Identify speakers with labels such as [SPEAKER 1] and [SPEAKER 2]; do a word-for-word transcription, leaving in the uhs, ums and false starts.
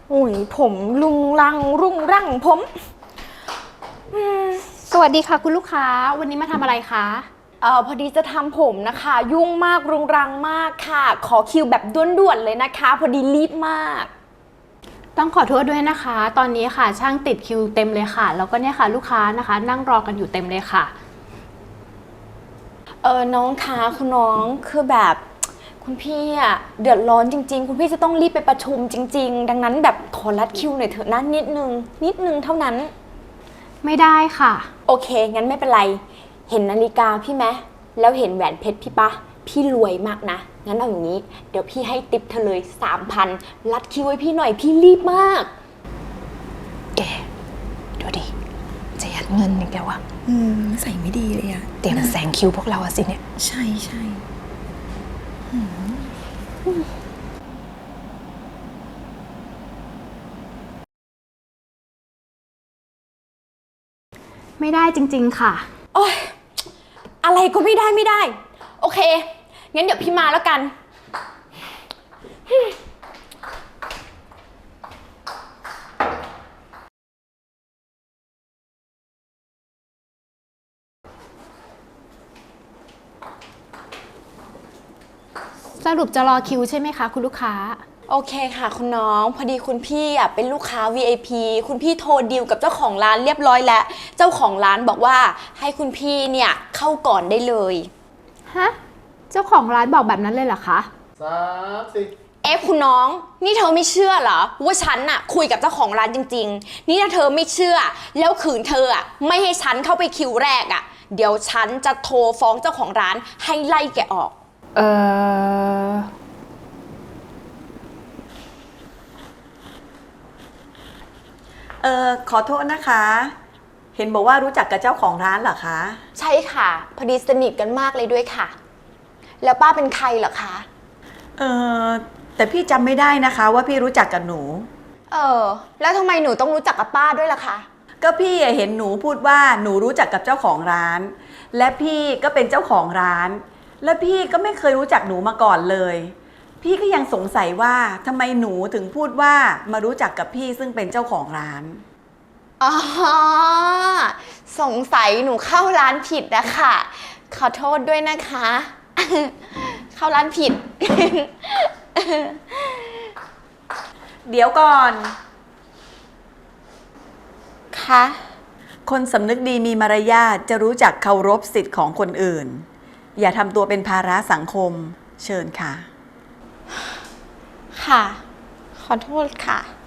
[SPEAKER 1] โอ้ยผมลุงรังรุงรังผม
[SPEAKER 2] สวัสดีค่ะคุณลูกค้าวันนี้มาทำอะไรคะ
[SPEAKER 1] เอ่อพอดีจะทำผมนะคะ ยุ่งมากรุงรังมากค่ะ ขอคิวแบบด่วนๆเลยนะคะ พอดีรีบมาก
[SPEAKER 2] ต้องขอโทษด้วยนะคะ ตอนนี้ค่ะช่างติดคิวเต็มเลยค่ะแล้วก็เนี่ยค่ะลูกค้านะคะ นั่งรอกันอยู่เต็มเลยค่ะ
[SPEAKER 1] เออน้องคะคุณน้องคือแบบคุณพี่อะเดือดร้อนจริงๆ คุณพี่จะต้องรีบไปประชุมจริงๆ ดังนั้นแบบขอรัดคิวหน่อยเถอะนะนิดนึงนิดนึงเท่านั้น
[SPEAKER 2] ไม่ได้ค่ะ
[SPEAKER 1] โอเคงั้นไม่เป็นไรเห็นนาฬิกาพี่ไหมแล้วเห็นแหวนเพชรพี่ปะพี่รวยมากนะงั้นเอาอย่างนี้เดี๋ยวพี่ให้ติปเธอเลยสามพันรัดคิวให้พี่หน่อยพี่รีบมาก
[SPEAKER 3] แกดูดิจะยัดเงินอีกแล้วอะ
[SPEAKER 4] อืมใส่ไม่ดีเลยอะ
[SPEAKER 3] เตรียมแซงคิวพวกเราอะสิเนี่ย
[SPEAKER 4] ใช่ใช่
[SPEAKER 2] ไม่ได้จริงๆค่ะ
[SPEAKER 1] โอ๊ยอะไรก็ไม่ได้ไม่ได้โอเคงั้นเดี๋ยวพี่มาแล้วกัน
[SPEAKER 2] สรุปจะรอคิวใช่ไหมคะคุณลูกค้า
[SPEAKER 1] โอเคค่ะคุณน้องพอดีคุณพี่อ่ะเป็นลูกค้า วี ไอ พี คุณพี่โทรดีลกับเจ้าของร้านเรียบร้อยแล้วเจ้าของร้านบอกว่าให้คุณพี่เนี่ยเข้าก่อนได้เลย
[SPEAKER 2] ฮะเจ้าของร้านบอกแบบนั้นเลยเหรอคะ
[SPEAKER 5] สามสี่
[SPEAKER 1] เอ๊ะคุณน้องนี่เธอไม่เชื่อเหรอว่าฉันน่ะคุยกับเจ้าของร้านจริงๆนี่ถ้าเธอไม่เชื่อแล้วขืนเธออ่ะไม่ให้ฉันเข้าไปคิวแรกอ่ะเดี๋ยวฉันจะโทรฟ้องเจ้าของร้านให้ไล่แกออก
[SPEAKER 2] เออ
[SPEAKER 4] เออขอโทษนะคะ เห็นบอกว่ารู้จักกับเจ้าของร้านเหรอคะ
[SPEAKER 1] ใช่ค่ะพอดีสนิทกันมากเลยด้วยค่ะ แล้วป้าเป็นใครเหรอคะ
[SPEAKER 4] เออแต่พี่จำไม่ได้นะคะว่าพี่รู้จักกับหนู
[SPEAKER 1] เออแล้วทำไมหนูต้องรู้จักกับป้าด้วยล่ะคะ
[SPEAKER 4] ก็พี่เห็นหนูพูดว่าหนูรู้จักกับเจ้าของร้าน และพี่ก็เป็นเจ้าของร้าน และพี่ก็ไม่เคยรู้จักหนูมาก่อนเลย พี่ก็ยังสงสัยว่าทำไมหนูถึงพูดว่ามารู้จักกับพี่ซึ่งเป็นเจ้าของร้าน
[SPEAKER 1] อ๋อสงสัยหนูเข้าร้านผิดนะคะขอโทษด้วยนะคะ เข้าร้านผิด
[SPEAKER 4] เดี๋ยวก่อน
[SPEAKER 1] คะ
[SPEAKER 4] คนสำนึกดีมีมารยาทจะรู้จักเคารพสิทธิ์ของคนอื่น อย่าทำตัวเป็นภาระสังคมเชิญค่ะ
[SPEAKER 1] ค่ะ ขอโทษค่ะ